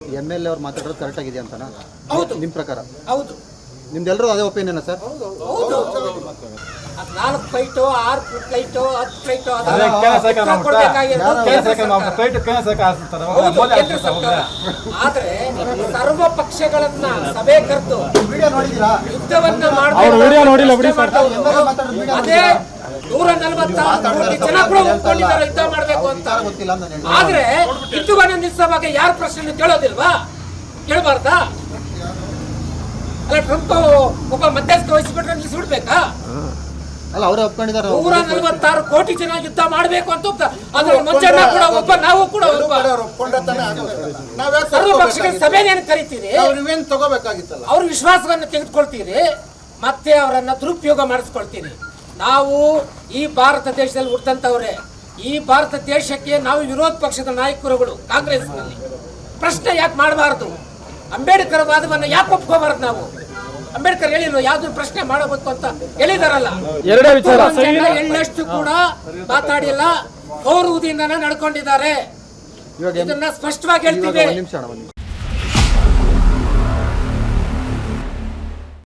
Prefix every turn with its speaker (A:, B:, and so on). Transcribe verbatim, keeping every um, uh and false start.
A: M L A ಅವ್ರು ಮಾತಾಡೋದು correct ಆಗಿದೆ ಅಂತನಾ?
B: ಹೌದು.
A: ನಿಮ್ಮ ಪ್ರಕಾರ?
B: ಹೌದು.
A: ನಿಮ್ದೆಲ್ಲರೂ ಅದೇ ಒಪಿನಿಯನ್ ಸರ್?
B: ಹೌದು. ನಾಲ್ಕು ಫ್ಲೈಟು ಆರು ಫ್ಲೈಟು ಹತ್ತು ಫ್ಲೈಟು ಆದ್ರೆ ಸರ್ವ ಪಕ್ಷಗಳನ್ನ ಸಭೆ ಕರೆದು ಯುದ್ಧವನ್ನ ಅದೇ ನೂರ ನಲವತ್ತಾರು ಕೋಟಿ ಜನ ಕೂಡ ಒಪ್ಕೊಂಡಿದ್ದಾರೆ ಯುದ್ಧ ಮಾಡ್ಬೇಕು ಅಂತ. ಆದ್ರೆ ಯುದ್ಧವನ್ನ ನಿಲ್ಲಿಸುವಾಗ ಯಾರ ಪ್ರಶ್ನೆ ಕೇಳೋದಿಲ್ವಾ? ಕೇಳಬಾರ್ದಾ? ಅಲ್ಲ, ಟ್ರಂಪ್ ಒಬ್ಬ ಮಧ್ಯಸ್ಥ ವಹಿಸಿಬಿಟ್ರೆ ನಿಲ್ಲಿಸ್ಬಿಡ್ಬೇಕಾ?
A: ಅಲ್ಲ, ಅವರೇ ಒಪ್ಕೊಂಡಿದ್ದಾರೆ.
B: ನೂರ ನಲವತ್ತಾರು ಕೋಟಿ ಜನ ಯುದ್ಧ ಮಾಡಬೇಕು ಅಂತ ಅದ್ರ ಮಂಜಣ್ಣ ಕೂಡ ಒಬ್ಬ, ನಾವು ಕೂಡ ಒಬ್ಬ. ಸರ್ವ ಪಕ್ಷಗಳ ಸಭೆಯನ್ನು ಕರಿತೀರಿ,
C: ತಗೋಬೇಕಾಗಿತ್ತಲ್ಲ,
B: ಅವ್ರ ವಿಶ್ವಾಸವನ್ನು ತೆಗೆದುಕೊಳ್ತೀರಿ, ಮತ್ತೆ ಅವರನ್ನ ದುರುಪಯೋಗ ಮಾಡಿಸ್ಕೊಳ್ತೀರಿ. ನಾವು ಈ ಭಾರತ ದೇಶದಲ್ಲಿ ಹುಟ್ಟಂತವ್ರೆ. ಈ ಭಾರತ ದೇಶಕ್ಕೆ ನಾವು ವಿರೋಧ ಪಕ್ಷದ ನಾಯಕರುಗಳು ಕಾಂಗ್ರೆಸ್ನಲ್ಲಿ ಪ್ರಶ್ನೆ ಯಾಕೆ ಮಾಡಬಾರದು? ಅಂಬೇಡ್ಕರ್ ವಾದವನ್ನ ಯಾಕೆ ಒಪ್ಕೋಬಾರದು? ನಾವು ಅಂಬೇಡ್ಕರ್ ಹೇಳಿದ್ರು ಯಾವ್ದು ಪ್ರಶ್ನೆ ಮಾಡಬೇಕು ಅಂತ ಹೇಳಿದಾರಲ್ಲ. ಎಳ್ಳಷ್ಟು ಕೂಡ ಮಾತಾಡಿಲ್ಲ, ಗೌರವದಿಂದನೇ ನಡ್ಕೊಂಡಿದ್ದಾರೆ. ಇದನ್ನ ಸ್ಪಷ್ಟವಾಗಿ ಹೇಳ್ತೀವಿ.